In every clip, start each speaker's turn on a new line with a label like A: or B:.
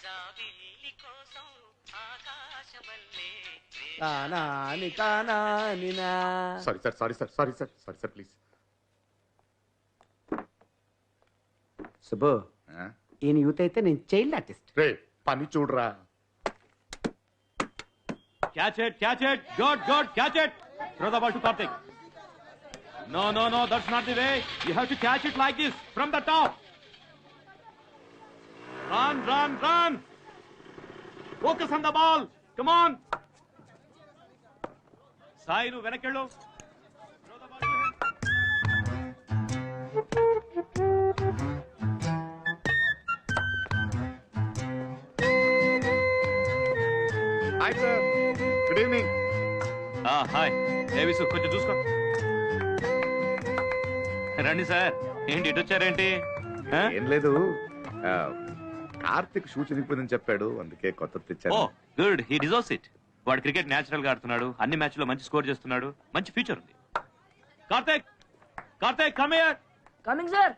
A: Sorry sir sorry sir sorry sir sorry sir please.
B: Subbu, ఈయన youth అయితే నేను child artist.
A: రే పని చూడరా.
C: Catch it, good, catch it. Throw the ball to Karthik. No, that's not the way. You have to catch it like this, from the top. Run. Focus on the ball. Come on. Sai, nu venakkello. Throw the ball to him.
A: Hi sir. Good evening.
C: Hi Visu, కొంచెం చూసుకో. రండి sir. ఏంటి ఇటు వచ్చారేంటి?
A: ఏం లేదు, Karthik shoe చినిగిపోయిందని చెప్పాడు, అందుకే కొత్త తెచ్చాను.
C: Oh good, he deserves it. వాడు క్రికెట్ న్యాచురల్ గా ఆడుతున్నాడు, అన్ని మ్యాచ్ లో మంచి స్కోర్ చేస్తున్నాడు, మంచి ఫ్యూచర్ ఉంది. Karthik come here.
D: Coming sir.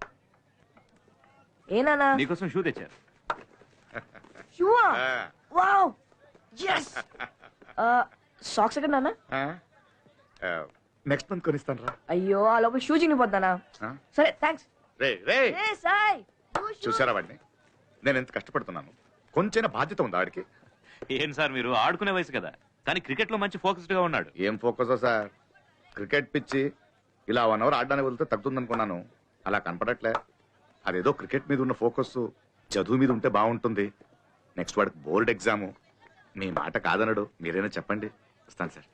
D: ఏనా
C: నీకోసం షూ తెచ్చారు.
D: షూ? Wow, yes. సాక్స్ ఎక్కడ నాన్న?
A: నెక్స్ట్ మంత్ కొనిస్తాను రా.
D: అయ్యో, ఆ లోపల షూ చినిగిపోతానా? సరే థ్యాంక్స్.
A: చూసారా వాడిని, నేను ఎంత కష్టపడుతున్నాను, కొంచెం బాధ్యత ఉందా వాడికి?
C: ఏం సార్ మీరు, ఆడుకునే వయసు కదా, కానీ క్రికెట్ లో మంచి ఫోకస్డ్ గా ఉన్నాడు.
A: ఏం ఫోకస్ సార్, క్రికెట్ పిచ్చి ఇలా 1 అవర్ ఆడడానికి వెళ్తే తగ్గుతుందనుకున్నాను, అలా కనపడట్లే. అదేదో క్రికెట్ మీద ఉన్న ఫోకస్ చదువు మీద ఉంటే బాగుంటుంది. నెక్స్ట్ వాడికి బోర్డ్ ఎగ్జాము. మీ మాట కాదనడు, మీరైనా చెప్పండి. వస్తాను సార్.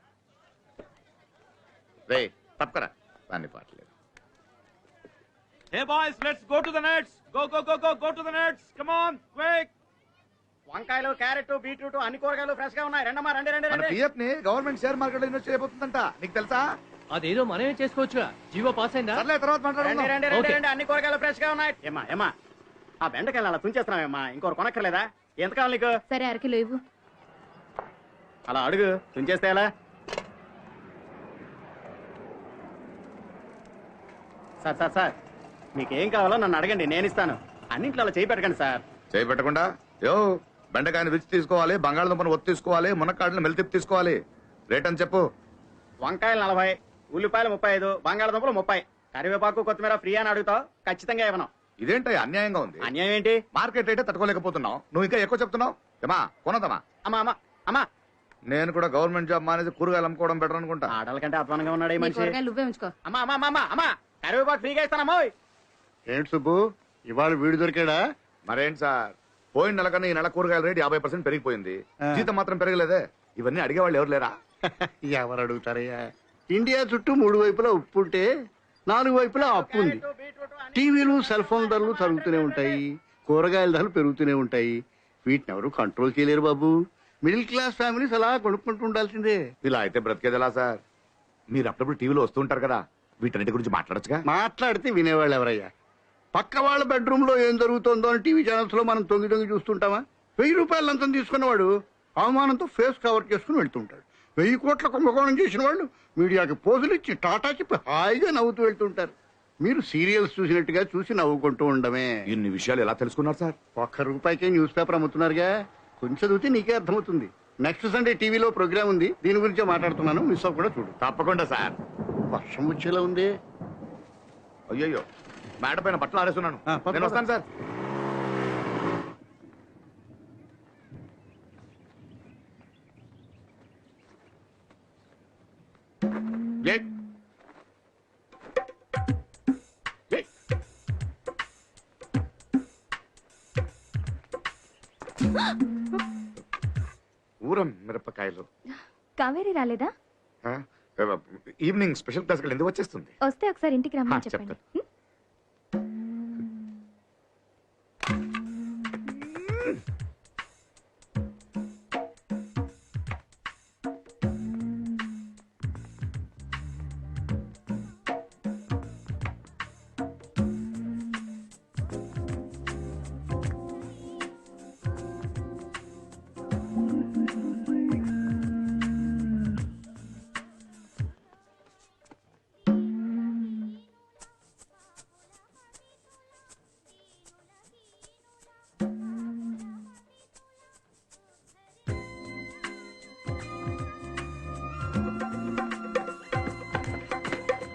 A: రే తప్పకరా, దాన్ని పాటలేదు.
C: Hey boys, let's go to the nets. Go to the nets. Come on, quick.
B: వంకాయలు, క్యారెట్, బీట్రూట్ అన్ని కూరగాయలు ఫ్రెష్ గా ఉన్నాయి. రండమ్మా, రండి.
A: పిఎఫ్ ని గవర్నమెంట్ షేర్ మార్కెట్ లో ఇన్వెస్ట్ చేయబోతుందంట, నీకు తెలుసా?
E: అదేదో మనమే చేసుకోవచ్చుగా, జీవో పాస్ అయిందా?
A: తర్వాత మాట్లాడండి.
B: అన్ని కూరగాయలు ఫ్రెష్ గా ఉన్నాయి. ఏమా ఆ బెండకాయలు అలా తుంచేస్తున్నావేమ్మా, ఇంకోరు కొనక్కర్లేదా? ఎంత కావాలి నీకు?
F: సరే, అరకిలో ఇవ్వు.
B: అలా అడుగు, తుంచేస్తే ఎలా? సార్ మీకేం కావాలో నన్ను అడగండి, నేను ఇస్తాను. అన్నింట్లో అలా చేయి పెట్టకండి సార్.
A: చేయి పెట్టకుండా బెండకాయని రుచి తీసుకోవాలి, బంగాళదుంపను ఒత్తి తీసుకోవాలి, మునక్కాడలు మెలితిప్పి తీసుకోవాలి. రేట్ అని చెప్పు.
B: వంకాయలు 40, ఉల్లిపాయలు 35, బంగాళదుంపలు 30, కరివేపాకు కొత్తిమీర ఫ్రీ అని అడుగుతావు, ఖచ్చితంగా ఇవ్వను.
A: ఇదేంటి అన్యాయంగా ఉంది?
B: అన్యాయం ఏంటి?
A: మార్కెట్ రేటే తట్టుకోలేకపోతున్నావు, నువ్వు ఇంకా ఎక్కువ చెప్తున్నావు. ఏమా కొనదమ్మా?
B: అమ్మా
A: నేను కూడా గవర్నమెంట్ జాబ్ మానేసి కూరగాయలు అమ్ముకోవడం బెటర్ అనుకుంటా.
B: ఆడల కంటే అధ్వానంగా ఉన్నాడు ఈ మనిషి.
F: నువ్వే ఉంచుకో.
B: అమ్మా కరివేపాకు ఫ్రీగా ఇస్తానమ్మా.
G: ఏంటి సుబ్బు, ఇవాళ వీడు దొరికాడా?
A: మరేంటి సార్, పోయిన నెల కన్నా ఈ నెల కూరగాయల రేటు 50% పెరిగిపోయింది, జీతం మాత్రం పెరగలేదే. ఇవన్నీ అడిగేవాళ్ళు ఎవరు లేరా?
G: ఎవరు అడుగుతారయ్యా? ఇండియా చుట్టూ 3 వైపులా ఉప్పు ఉంటే 4 వైపులా అప్పు ఉంది. టీవీలు, సెల్ ఫోన్ ధరలు తరుగుతూనే ఉంటాయి, కూరగాయల ధరలు పెరుగుతూనే ఉంటాయి. వీటిని ఎవరు కంట్రోల్ చేయలేరు బాబు. మిడిల్ క్లాస్ ఫ్యామిలీస్ అలా కొనుక్కుంటూ ఉండాల్సిందే.
A: ఇలా అయితే బ్రతికేది ఎలా సార్? మీరు అప్పుడప్పుడు టీవీలో వస్తుంటారు కదా, వీటన్నిటి గురించి మాట్లాడచ్చుగా.
G: మాట్లాడితే వినేవాళ్ళు ఎవరయ్యా? పక్క వాళ్ళ బెడ్రూమ్ లో ఏం జరుగుతుందో అని టీవీ ఛానల్స్ లో మనం తొంగి చూస్తుంటామా? 1000 రూపాయలు లంచం తీసుకున్నవాడు అవమానంతో ఫేస్ కవర్ చేసుకుని వెళ్తుంటాడు. 1000 కోట్ల కుంభకోణం చేసిన వాళ్ళు మీడియాకి పోజులు ఇచ్చి టాటా చెప్పి హాయిగా నవ్వుతూ వెళ్తుంటారు. మీరు సీరియల్స్ చూసినట్టుగా చూసి నవ్వుకుంటూ ఉండమే.
A: ఇన్ని విషయాలు ఎలా తెలుసుకున్నారు సార్?
G: 1 రూపాయికే న్యూస్ పేపర్ అమ్ముతున్నారుగా, కొంచెం చదివితే నీకే అర్థమవుతుంది. నెక్స్ట్ సండే టీవీలో ప్రోగ్రామ్ ఉంది, దీని గురించే మాట్లాడుతున్నాను, మిస్ అవ్వకుండా చూడు.
A: తప్పకుండా సార్.
G: వర్షం వచ్చేలా ఉంది.
A: అయ్యో, మేడ పైన బట్టలు ఆడేస్తున్నాను, నేను వస్తాను సార్. ఊరం మిరపకాయలు.
F: కావేరి రాలేదా?
A: ఈవినింగ్ స్పెషల్ క్లాస్ ఎందుకు వచ్చేస్తుంది?
F: వస్తే ఒకసారి ఇంటికి రమ్మని చెప్పండి.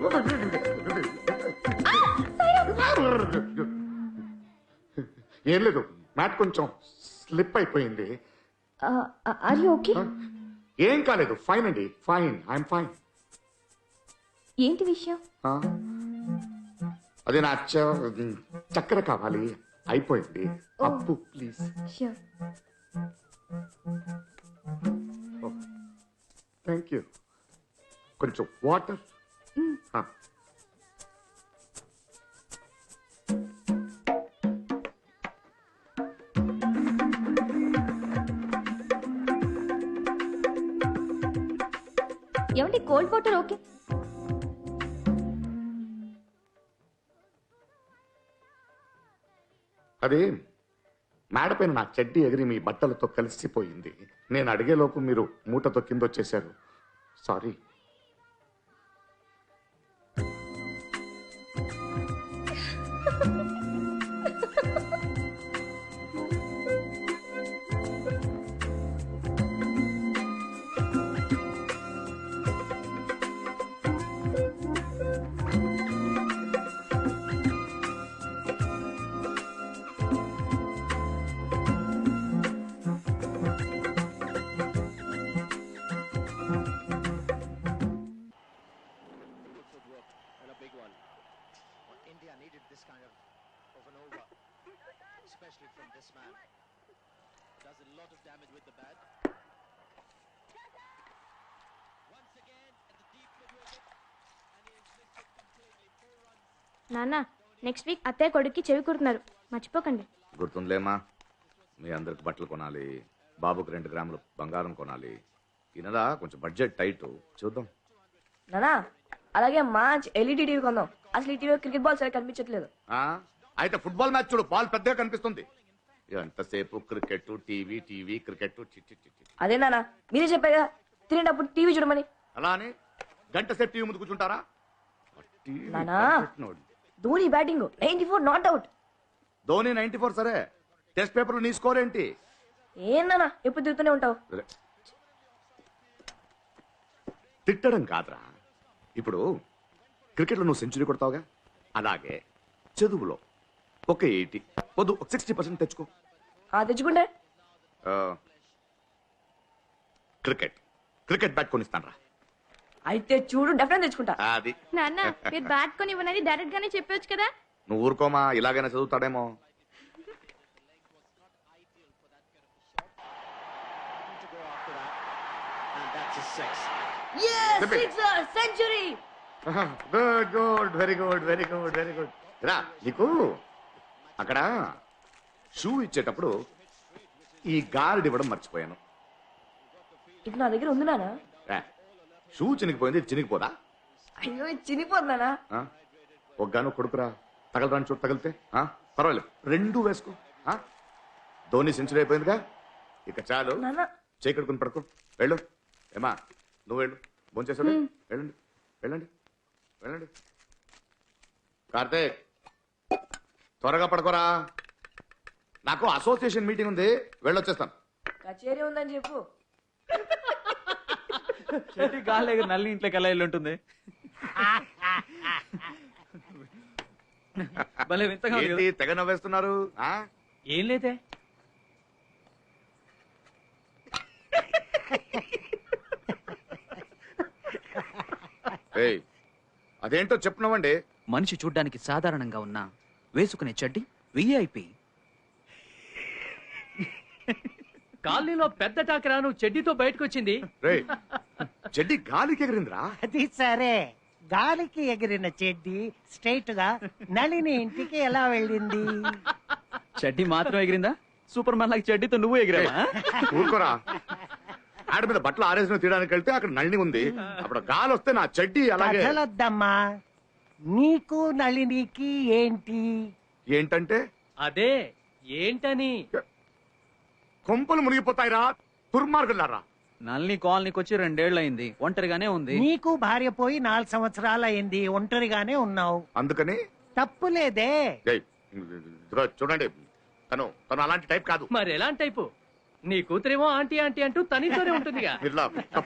A: ఏం లేదు మ్యాట్ కొంచెం స్లిప్ అయిపోయింది.
F: Are you okay?
A: ఏం కాలేదు, ఫైన్ అండి, ఫైన్, ఐఎమ్ ఫైన్.
F: ఏంటి విషయం?
A: అదే నా చక్కెర కావాలి, అయిపోయింది. అప్పు ప్లీజ్.
F: ష్యూర్.
A: Thank you. కొంచెం వాటర్.
F: ఏమండి కోల్డ్ వాటర్ ఓకే?
A: అదే మేడ పైన నా చెడ్డీ ఎగిరి మీ బట్టలతో కలిసిపోయింది. నేను అడిగేలోపు మీరు మూటతో కింద వచ్చేశారు. Sorry.
H: India needed this kind of an over, especially from this man. Does a lot of damage with the bat. Once again at the deep mid wicket, and he is missed it completely. 4 runs.
F: నాన్న next week అత్తయ్య కొడుక్కి చెవి కుడుతున్నారు, మర్చిపోకండి.
A: గుర్తుందిలేమా, మీ అందరికి బట్టలు కొనాలి, బాబుకి 2 గ్రాములు బంగారం కొనాలి. ఈయనదా కొంచెం బడ్జెట్ టైట్, చూద్దాం.
D: నానా అలాగే మంచి ఎల్ఈడి టీవీ కొందాం. అసలు ఈ టీవీలో క్రికెట్ బాల్ సరిగ్గా కనిపించట్లేదు.
A: అయితే ఫుట్బాల్ మ్యాచ్ చూడు, బాల్ పెద్దగా కనిపిస్తుంది. ఎంతసేపు క్రికెట్ టీవీ, టీవీ క్రికెట్.
D: అదే నానా మీరే చెప్పారు కదా తినేటప్పుడు టీవీ చూడమని.
A: అలా అని గంట సేపు టీవీ ముందు కూర్చుంటారా?
D: నానా Dhoni batting 94 not out.
A: Dhoni 94 సరే, టెస్ట్ పేపర్ నీ స్కోర్ ఏంటి?
D: ఏం నానా ఎప్పుడు తిరుగుతూనే ఉంటావు.
A: తిట్టడం కాదురా, ఇప్పుడు క్రికెట్లో నువ్వు సెంచరీ కొడతావుగా, అలాగే చదువులో ఒక 80 వద్దు 60% తెచ్చుకో.
D: తెచ్చుకుంటే
A: క్రికెట్ బ్యాట్ కొనిస్తాను రా.
D: అయితే చూడు డెఫినెట్ తెచ్చుకుంటా.
A: అది
F: నాన్న మీరు బ్యాట్ కొని ఇవ్వనని డైరెక్ట్ గానే చెప్పొచ్చు కదా.
A: నువ్వు ఊరుకోమా, ఇలాగైనా చదువుతాడేమో.
H: To go after that, and that's a 6.
D: yes sixer century.
A: Good very good very good very good. రా, నీకు అక్కడ షూ ఇచ్చేటప్పుడు ఈ గార్డ్ ఇవ్వడం మర్చిపోయాను.
D: ఇది నా దగ్గర ఉంది నానా.
A: షూ చినిగిపోయింది, ఇది చినిగిపోదా?
D: అయ్యో ఇది చినిపోతున్నానా.
A: ఒగ్గాను కొడుకురా, తగలరాని చోటు తగిలితే పర్వాలేదు, 2 వేసుకో. ధోని సెంచరీ అయిపోయిందిగా, ఇక చాలు.
D: నానా
A: చేకడుకుని పడుకో, వెళ్ళు. ఏమా నువ్వు వెళ్ళు, భోంచేసాడు. వెళ్ళండి వెళ్ళండి వెళ్ళండి. కార్తీక్ త్వరగా పడుకోరా, నాకు అసోసియేషన్ మీటింగ్ ఉంది, వెళ్ళొచ్చేస్తాను.
D: కచేరీ ఉందని చెప్పు.
C: చెట్టి గాలి నల్లి ఇంట్లోకి ఎలా వెళ్ళి ఉంటుంది? భలే వింతగా ఉంది
A: ఏంటి
C: కదా?
A: తెగ నవ్వేస్తున్నారు?
C: ఏం లేదే.
A: ఏయ్, అదేంటో చెప్పున్నావండి.
I: మనిషి చూడ్డానికి సాధారణంగా ఉన్నా వేసుకునే చెడ్డి విఐపి.
E: కాలనీలో పెద్ద టాకరా నువ్వు చెడ్డీతో బయటకు వచ్చింది.
A: రేయ్, చెడ్డి గాలికి ఎగిరిందిరా.
J: అది సరే, గాలికి ఎగిరిన చెడ్డి స్ట్రైట్ గా నళిని ఇంటికి ఎలా వెళ్ళింది?
I: చెడ్డి మాత్రం ఎగిరిందా? సూపర్ మ్యాన్ లాగా చెడ్డీతో నువ్వు ఎగిరావా?
A: ఊరుకోరా, ఆడ మీద బట్టలు ఆరేసిన తీయడానికి వెళ్తే అక్కడ నళిని ఉంది, అప్పుడు గాలి వస్తే నా చెడ్డి అలాగే.
J: కథలొద్దమ్మా, నీకు నళినికి ఏంటి?
A: ఏంటంటే
E: అదే ఏంటని.
A: కొంపలు మునిగిపోతాయిరా దుర్మార్గులారా.
I: నల్ని కాలనీకి వచ్చి 2 ఏళ్ళు అయింది, ఒంటరిగానే ఉంది.
J: నీకు భార్య పోయి 4 సంవత్సరాలు అయింది, ఒంటరిగానే ఉన్నావు.
A: అందుకని
J: తప్పులేదే.
A: ఏయ్, ఇదిగో చూడండి, తను అలాంటి టైప్ కాదు.
E: మరి ఎలాంటి టైపు? నీ కూతురేమో ఆంటీ ఆంటీ అంటూ తనితోనే ఉంటుందిగా.
A: ఇలా